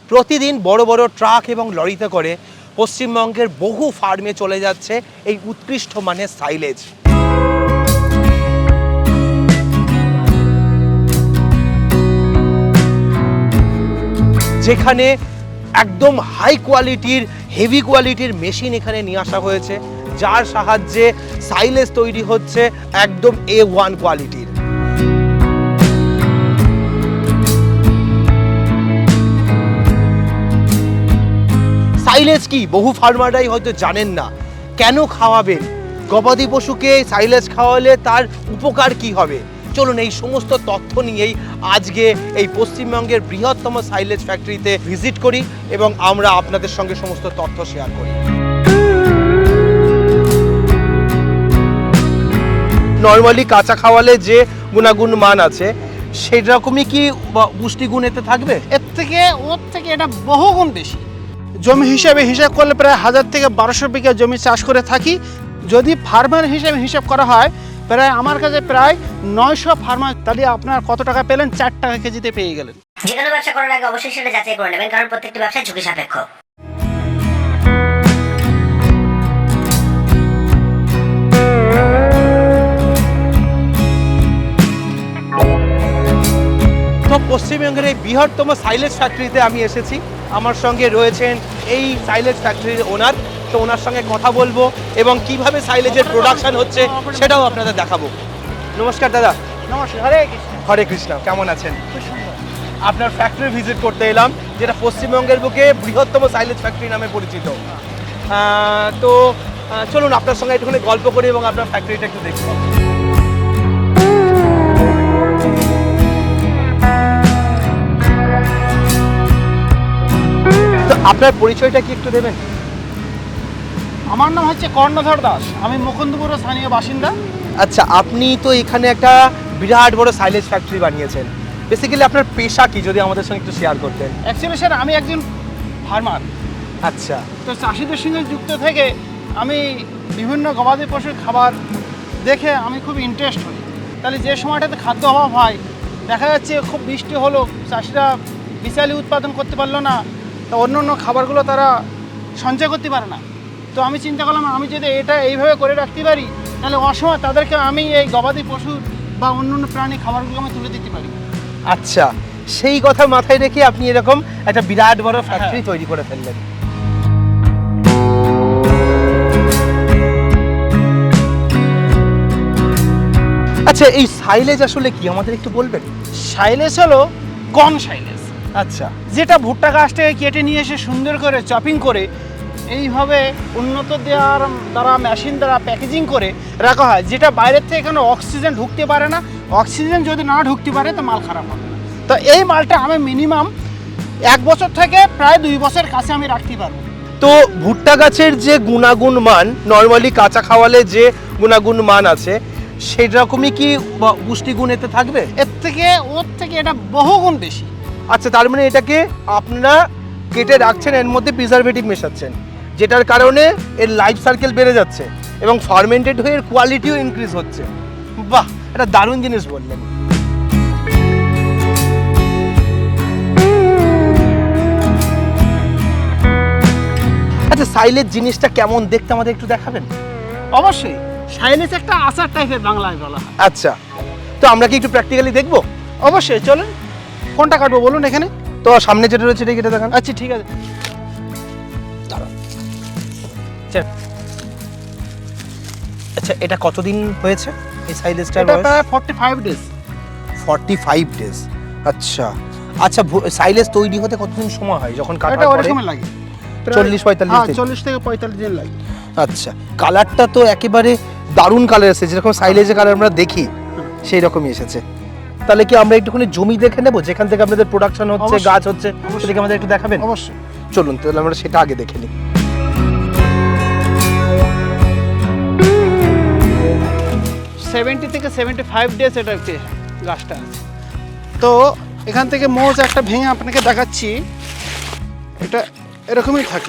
প্রতিদিন বড় বড় ট্রাক এবং লরিতে করে পশ্চিমবঙ্গের বহু ফার্মে চলে যাচ্ছে এই উৎকৃষ্ট মানের সাইলেজ। যেখানে একদম হাই কোয়ালিটির হেভি কোয়ালিটির মেশিন এখানে নিয়ে আসা হয়েছে, যার সাহায্যে সাইলেজ তৈরি হচ্ছে একদম A1 কোয়ালিটির। সাইলেজ কি বহু ফার্মাররাই হয়তো জানেন না। কেন খাওয়াবেন গবাদি পশুকে? সাইলেজ খাওয়ালে তার উপকার কি হবে? চলুন এই সমস্ত তথ্য নিয়েই আজকে এই পশ্চিমবঙ্গের বৃহত্তম সাইলেজ ফ্যাক্টরিতে ভিজিট করি এবং আমরা আপনাদের সঙ্গে সমস্ত তথ্য শেয়ার করি। নর্মালি কাঁচা খাওয়ালে যে গুণাগুণ মান আছে সেরকমই কি পুষ্টিগুণ এতে থাকবে? ওর থেকে এটা বহুগুণ বেশি। জমি হিসাব করলে প্রায় 1000 থেকে 1200 বিঘা জমি চাষ করে থাকি। যদি ফার্মার হিসেবে হিসাব করা হয় প্রায় আমার কাছে প্রায় 900 ফার্মার। তাহলে আপনার কত টাকা পেলেন? 4 টাকা কেজিতে পেয়ে গেলেন। যে কোনো ব্যবসা করার আগে অবশ্যই সেটা যাচাই করে নেবেন, কারণ প্রত্যেকটি ব্যবসা ঝুঁকি সাপেক্ষ। তো পশ্চিমবঙ্গের এই বৃহত্তম সাইলেজ ফ্যাক্টরিতে আমি এসেছি। আমার সঙ্গে রয়েছেন এই সাইলেজ ফ্যাক্টরির ওনার। তো ওনার সঙ্গে কথা বলবো এবং কিভাবে সাইলেজের প্রোডাকশন হচ্ছে সেটাও আপনাদের দেখাবো। নমস্কার দাদা। নমস্কার। হরে কৃষ্ণ। হরে কৃষ্ণ। কেমন আছেন? খুব সুন্দর। আপনার ফ্যাক্টরি ভিজিট করতে এলাম, যেটা পশ্চিমবঙ্গের বুকে বৃহত্তম সাইলেজ ফ্যাক্টরি নামে পরিচিত। তো চলুন আপনার সঙ্গে একটুখানি গল্প করি এবং আপনার ফ্যাক্টরিটা একটু দেখব। তো আপনার পরিচয়টা কি একটু দেবেন? আমার নাম হচ্ছে কর্ণধর দাস। আমি মুকুন্দপুরের স্থানীয় বাসিন্দা। আচ্ছা, আপনি তো এখানে একটা বিরাট বড় সাইলেজ ফ্যাক্টরি বানিয়েছেন। বেসিক্যালি আপনার পেশা কি, যদি আমাদের সঙ্গে একটু শেয়ার করতেন? অ্যাকচুয়ালি স্যার আমি একজন ফার্মার। আচ্ছা। তো চাষিদের সঙ্গে যুক্ত থেকে আমি বিভিন্ন গবাদি পশুর খাবার দেখে আমি খুব ইন্টারেস্ট হই। তাহলে যে সময়টাতে খাদ্য অভাব হয়, দেখা যাচ্ছে খুব বৃষ্টি হলো, চাষিরা বিশালি উৎপাদন করতে পারলো না, তো অন্য অন্য খাবারগুলো তারা সঞ্চয় করতে পারে না। তো আমি চিন্তা করলাম আমি যদি এটা এইভাবে করে রাখতে পারি তাহলে অসময় তাদেরকে আমি এই গবাদি পশু বা অন্য অন্য প্রাণী খাবারগুলো আমি তুলে দিতে পারি। আচ্ছা, সেই কথা মাথায় রেখে আপনি এরকম একটা বিরাট বড় ফ্যাক্টরি তৈরি করে ফেললেন। আচ্ছা, এই সাইলেজ আসলে কি আমাদের একটু বলবেন? সাইলেজ হলো কর্ন সাইলেজ। আচ্ছা। যেটা ভুট্টা গাছটাকে কেটে নিয়ে এসে সুন্দর করে চপিং করে এইভাবে উন্নত দেওয়ার দ্বারা মেশিন দ্বারা প্যাকেজিং করে রাখা হয়, যেটা বাইরের থেকে কোনো অক্সিজেন ঢুকতে পারে না। অক্সিজেন যদি না ঢুকতে পারে তো মাল খারাপ হবে। তো এই মালটা আমি মিনিমাম 1 বছর থেকে প্রায় 2 বছর কাছে আমি রাখতে পারবো। তো ভুট্টা গাছের যে গুণাগুণ মান, নর্মালি কাঁচা খাওয়ালে যে গুণাগুণ মান আছে সেরকমই কি পুষ্টিগুণ এতে থাকবে? ওর থেকে এটা বহুগুণ বেশি। আচ্ছা, তার মানে এটাকে আপনারা কেটে রাখছেন, এর মধ্যে প্রিজারভেটিভ মেশাচ্ছেন, যেটার কারণে এর লাইফ সার্কেল বেড়ে যাচ্ছে এবং ফার্মেন্টেড হয়ে এর কোয়ালিটিও ইনক্রিজ হচ্ছে। বাহ, এটা দারুণ জিনিস বললেন। আচ্ছা, সাইলেজ জিনিসটা কেমন দেখতে আমাদের একটু দেখাবেন? অবশ্যই। সাইলেজ একটা আচার টাইপের বাংলায় বলা হয়। আচ্ছা, তো আমরা কি একটু প্র্যাকটিক্যালি দেখবো? অবশ্যই, চলুন। কোনটা কাটবো বলুন এখানে? তো সামনে যেটা রয়েছে এটা কেটে দেখান। আচ্ছা, ঠিক আছে। আচ্ছা, এটা কতদিন হয়েছে এই সাইলেজটা? এটা প্রায় 45 ডেজ। 45 ডেজ। আচ্ছা আচ্ছা, সাইলেজ তৈরি হতে কতদিন সময় হয় যখন কাটার এটা পরে? অনেক সময় লাগে, 40-45 হ্যাঁ, দিন। 40 থেকে 45 দিন লাগে। আচ্ছা, কালারটা তো একেবারে দারুণ কালার এসেছে, যেরকম সাইলেজের কালার আমরা দেখি সেই রকমই এসেছে। তাহলে কি আমরা একটুখানি জমি দেখে নেব যেখান থেকে আপনাদের প্রোডাকশন হচ্ছে, অবশ্যই, গাছ হচ্ছে, অবশ্যই। সেটাকে আমাদের একটু দেখাবেন? অবশ্যই। চলুন তাহলে আমরা সেটা আগে দেখে নিই। 70 থেকে 75 ডেজ এটা গাছটা আছে। তো এখান থেকে মোজ একটা ভেঙে আপনাকে দেখাচ্ছি। এটা এরকমই থাকে।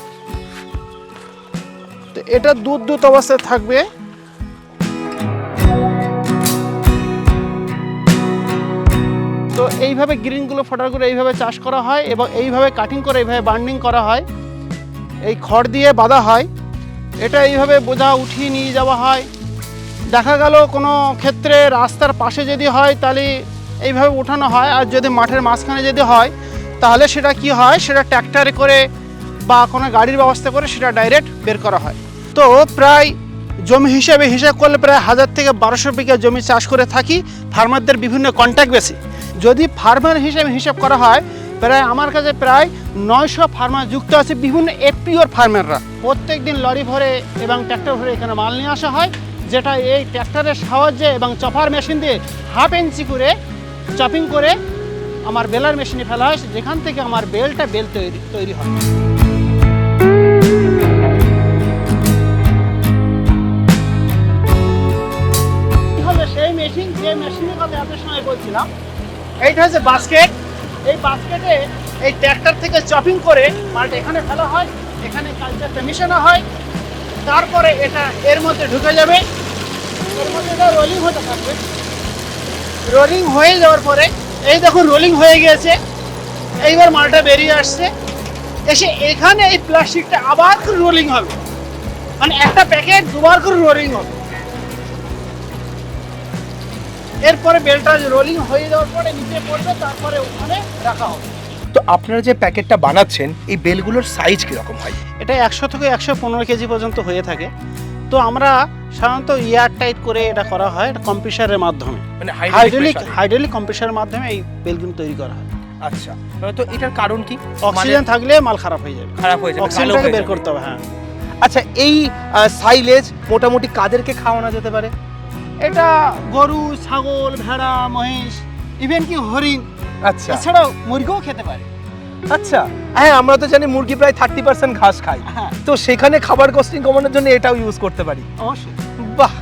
তো এটা দুধ অবস্থায় থাকবে। তো তো এইভাবে গ্রিনগুলো ফোটার করে এইভাবে চাষ করা হয় এবং এইভাবে কাটিং করে এইভাবে বান্ডিং করা হয়, এই খড় দিয়ে বাঁধা হয়। এটা এইভাবে বোঝা উঠিয়ে নিয়ে যাওয়া হয়। দেখা গেল কোনো ক্ষেত্রে রাস্তার পাশে যদি হয় তাহলে এইভাবে উঠানো হয়, আর যদি মাঠের মাঝখানে যদি হয় তাহলে সেটা কি হয়, সেটা ট্র্যাক্টরে করে বা কোনো গাড়ির ব্যবস্থা করে সেটা ডাইরেক্ট বের করা হয়। তো প্রায় জমি হিসাব করলে প্রায় 1000 থেকে 1200 বিঘা জমি চাষ করে থাকি ফার্মারদের বিভিন্ন কন্ট্যাক্ট বেসে। যদি ফার্মার হিসাব করা হয় প্রায় আমার কাছে প্রায় 900 ফার্মার যুক্ত আছে, বিভিন্ন এপিওর ফার্মাররা। প্রত্যেক দিন লরি ভরে এবং ট্র্যাক্টর ভরে এখানে মাল নিয়ে আসা হয়, যেটা এই ট্র্যাক্টরের সাহায্যে এবং চপার মেশিন দিয়ে 1/2 ইঞ্চি করে চপিং করে আমার বেলার মেশিনে ফেলা হয়, যেখান থেকে আমার বেল তৈরি হয়। সেই মেশিন, যে মেশিনের কথা এত সময় বলছিলাম, এইটা হচ্ছে বাস্কেট। এই বাস্কেটে এই ট্র্যাক্টর থেকে চপিং করে মালটা এখানে ফেলা হয়, এখানে কালচারটা মিশানো হয়, তারপরে এটা এর মধ্যে ঢুকে যাবে, এর মধ্যে এটা রোলিং হতে থাকবে। রোলিং হয়ে যাওয়ার পরে এই দেখুন রোলিং হয়ে গিয়েছে, এইবার মালটা বেরিয়ে আসছে, এসে এখানে এই প্লাস্টিকটা আবার করে রোলিং হবে, মানে একটা প্যাকেট দুবার করে রোলিং হবে। এরপরে বেলটা রোলিং হয়ে যাওয়ার পরে নিচে পড়বে, তারপরে ওখানে রাখা হবে। তো আপনারা যে প্যাকেটটা বানাচ্ছেন এই বেলগুলোর সাইজ কীরকম হয়? এটা 100 থেকে 115 কেজি পর্যন্ত হয়ে থাকে। তো আমরা সাধারণত এয়ার টাইট করে এটা করা হয়, এটা কম্প্রেসারের মাধ্যমে, মানে হাইড্রোলিক কম্প্রেসারের মাধ্যমে এই বেলগুলো তৈরি করা হয়। আচ্ছা, তো এটার কারণ কি? অক্সিজেন থাকলে মাল খারাপ হয়ে যাবে, অক্সিজেনটাকে বের করতে হবে। হ্যাঁ। আচ্ছা, এই সাইলেজ মোটামুটি কাদেরকে খাওয়ানো যেতে পারে? এটা গরু, ছাগল, ভেড়া, মহিষ, ইভেন কি হরিণ, আচ্ছা, এছাড়াও মুরগিও খেতে পারে। আচ্ছা, হ্যাঁ, আমরা তো জানি মুরগি প্রায় 30% ঘাস খায়, হ্যাঁ, তো সেখানে খাবার কস্টিং কমানোর জন্য এটাও ইউজ করতে পারি। অবশ্যই। বাহ।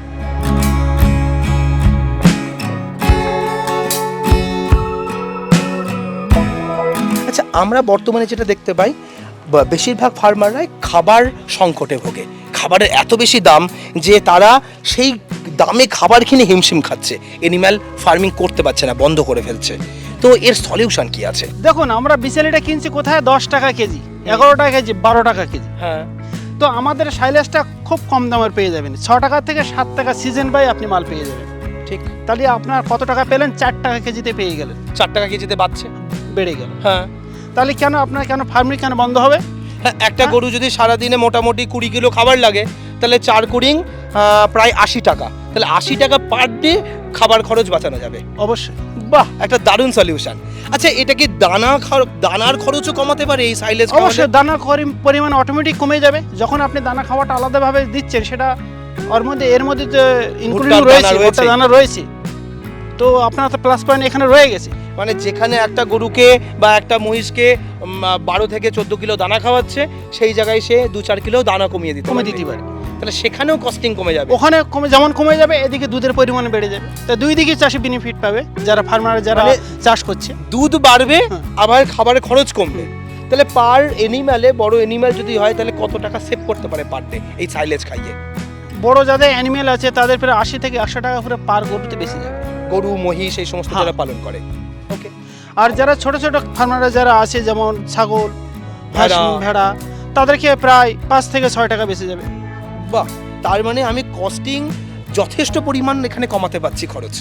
আচ্ছা, আমরা বর্তমানে যেটা দেখতে পাই বেশিরভাগ ফার্মাররাই খাবার সংকটে ভোগে। খাবারের এত বেশি দাম যে তারা সেই দামে খাবার কিনে হিমশিম খাচ্ছে, এনিম্যাল ফার্মিং করতে পারছে না, বন্ধ করে ফেলছে। তো এর সলিউশন কি আছে? দেখুন, আমরা বিচেলিটা কিনছি কোথায় 10 টাকা কেজি, 11 টাকা কেজি, 12 টাকা কেজি। হ্যাঁ। তো আমাদের সাইলেজটা খুব কম দামের পেয়ে যাবেন, 6 টাকা থেকে 7 টাকা সিজন বাই আপনি মাল পেয়ে যাবেন। ঠিক। তাহলে আপনার কত টাকা পেলেন? 4 টাকা কেজিতে পেয়ে গেলেন। 4 টাকা কেজিতে বাড়ছে, বেড়ে গেল। হ্যাঁ। তাহলে কেন আপনার ফার্মিং কেন বন্ধ হবে? হ্যাঁ, একটা গরু যদি সারাদিনে মোটামুটি 20 কিলো খাবার লাগে, তাহলে 4 কুড়িং প্রায় 80 টাকা, তাহলে 80 টাকা পার ডে খাবার খরচ বাঁচানো যাবে। অবশ্যই। বাহ, একটা দারুণ সলিউশন। আচ্ছা, এটা কি দানার খরচও কমাতে পারে এই সাইলেজ? অবশ্যই, দানার পরিমাণ অটোমেটিক কমে যাবে। যখন আপনি দানা খাওয়াটা আলাদাভাবে দিচ্ছেন, সেটা এর মধ্যে তো ইনক্লুডিং রয়েছে, ভুট্টা দানা রয়েছে, তো আপনার তো প্লাস পয়েন্ট এখানে রয়ে গেছে। মানে যেখানে একটা গরুকে বা একটা মহিষকে 12 থেকে 14 কিলো দানা খাওয়াচ্ছে, সেই জায়গায় সে 2-4 কিলো দানা কমিয়ে দিতে পারে, তাহলে সেখানেও কস্টিং কমে যাবে। ওখানে যেমন কমে যাবে, এদিকে দুধের পরিমাণ বেড়ে যাবে। তো দুই দিকে চাষি বেনিফিট পাবে, যারা ফার্মার যারা চাষ করছে। দুধ বাড়বে, আবার খাবারের খরচ কমবে। তাহলে পার এনিম্যালে, বড় এনিম্যাল যদি হয়, তাহলে কত টাকা সেভ করতে পারে পার ডে এই সাইলেজ খাইয়ে? বড় যাদের অ্যানিমেল আছে তাদের প্রায় 80 থেকে 100 টাকা করে পার গরুতে বেশি যাবে। গরু, মহিষ এই সমস্ত যারা পালন করে। ওকে। আর যারা ছোট ছোট ফার্মাররা যারা আছে, যেমন ছাগল, ভেড়া, তাদেরকে প্রায় 5 থেকে 6 টাকা বেশি যাবে। বাহ, তার মানে আমি কস্টিং যথেষ্ট পরিমাণ এখানে কমাতে পারছি খরচ।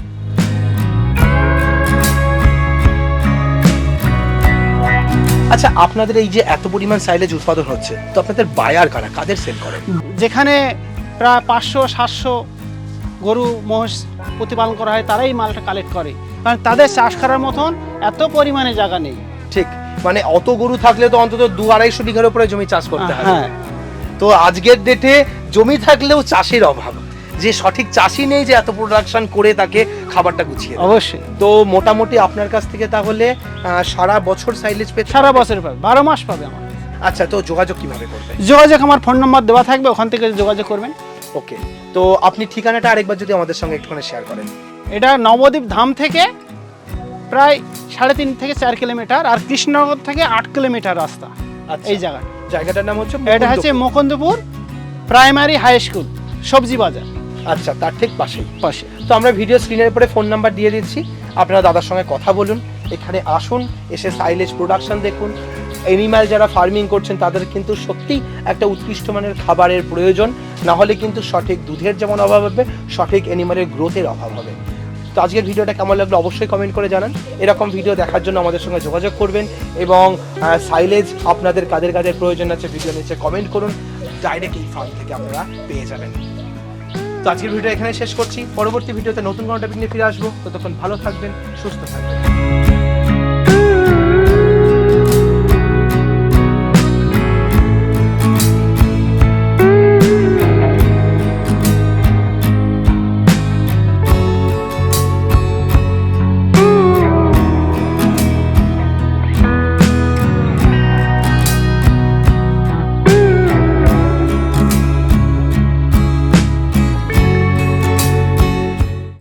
আচ্ছা, আপনাদের এই যে এত পরিমাণ সাইলেজ উৎপাদন হচ্ছে, তো আপনাদের বায়ার কারা, কাদের সেল করেন? যেখানে প্রায় 500-700 গরু মহিষ প্রতিপালন করা হয়, তারাই মালটা কালেক্ট করে, কারণ তাদের চাষ করার মতন এত পরিমাণে জায়গা নেই। ঠিক, মানে অত গরু থাকলে তো অন্তত 2-250 বিঘার উপরে জমি চাষ করতে হয়। হ্যাঁ। তো আজকের ডেটে জমি থাকলেও চাষের অভাব, যে সঠিক চাষি নেই যে এত প্রোডাকশন করে তাকে খাবারটা গুছিয়ে। অবশ্যই। তো মোটামুটি আপনার কাছ থেকে তাহলে সারা বছর সাইলেজ পেতে? সারা বছর পাবে, 12 মাস পাবে আমার। আচ্ছা, তো যোগাযোগ কিভাবে করবে? যোগাযোগ আমার ফোন নাম্বার দেওয়া থাকবে, ওখান থেকে যোগাযোগ করবেন। ওকে, তো আপনি ঠিকানাটা আরেকবার যদি আমাদের সঙ্গে একটুখানি শেয়ার করেন। এটা নবদ্বীপ ধাম থেকে প্রায় 3.5 থেকে 4 কিলোমিটার, আর কৃষ্ণনগর থেকে 8 কিলোমিটার রাস্তা। এই জায়গাটার নাম হচ্ছে, এটা হচ্ছে মুকুন্দপুর প্রাইমারি হাই স্কুল, সবজি বাজার। আচ্ছা, তার ঠিক পাশে। তো আমরা ভিডিও স্ক্রিনের উপরে ফোন নাম্বার দিয়ে দিচ্ছি, আপনারা দাদার সঙ্গে কথা বলুন, এখানে আসুন, এসে সাইলেজ প্রোডাকশন দেখুন। অ্যানিম্যাল যারা ফার্মিং করছেন তাদের কিন্তু সত্যি একটা উৎকৃষ্ট মানের খাবারের প্রয়োজন, না হলে কিন্তু সঠিক দুধের যেমন অভাব হবে, সঠিক অ্যানিমালের গ্রোথের অভাব হবে। তো আজকের ভিডিওটা কেমন লাগলো অবশ্যই কমেন্ট করে জানান। এরকম ভিডিও দেখার জন্য আমাদের সঙ্গে যোগাযোগ করবেন, এবং সাইলেজ আপনাদের কাদের কাদের প্রয়োজন আছে ভিডিও নিচে কমেন্ট করুন, ডাইরেক্ট এই ফার্ম থেকে আপনারা পেয়ে যাবেন। তো আজকের ভিডিও এখানে শেষ করছি, পরবর্তী ভিডিওতে নতুন কোনো টপিক নিয়ে ফিরে আসবো। ততক্ষণ ভালো থাকবেন, সুস্থ থাকবেন।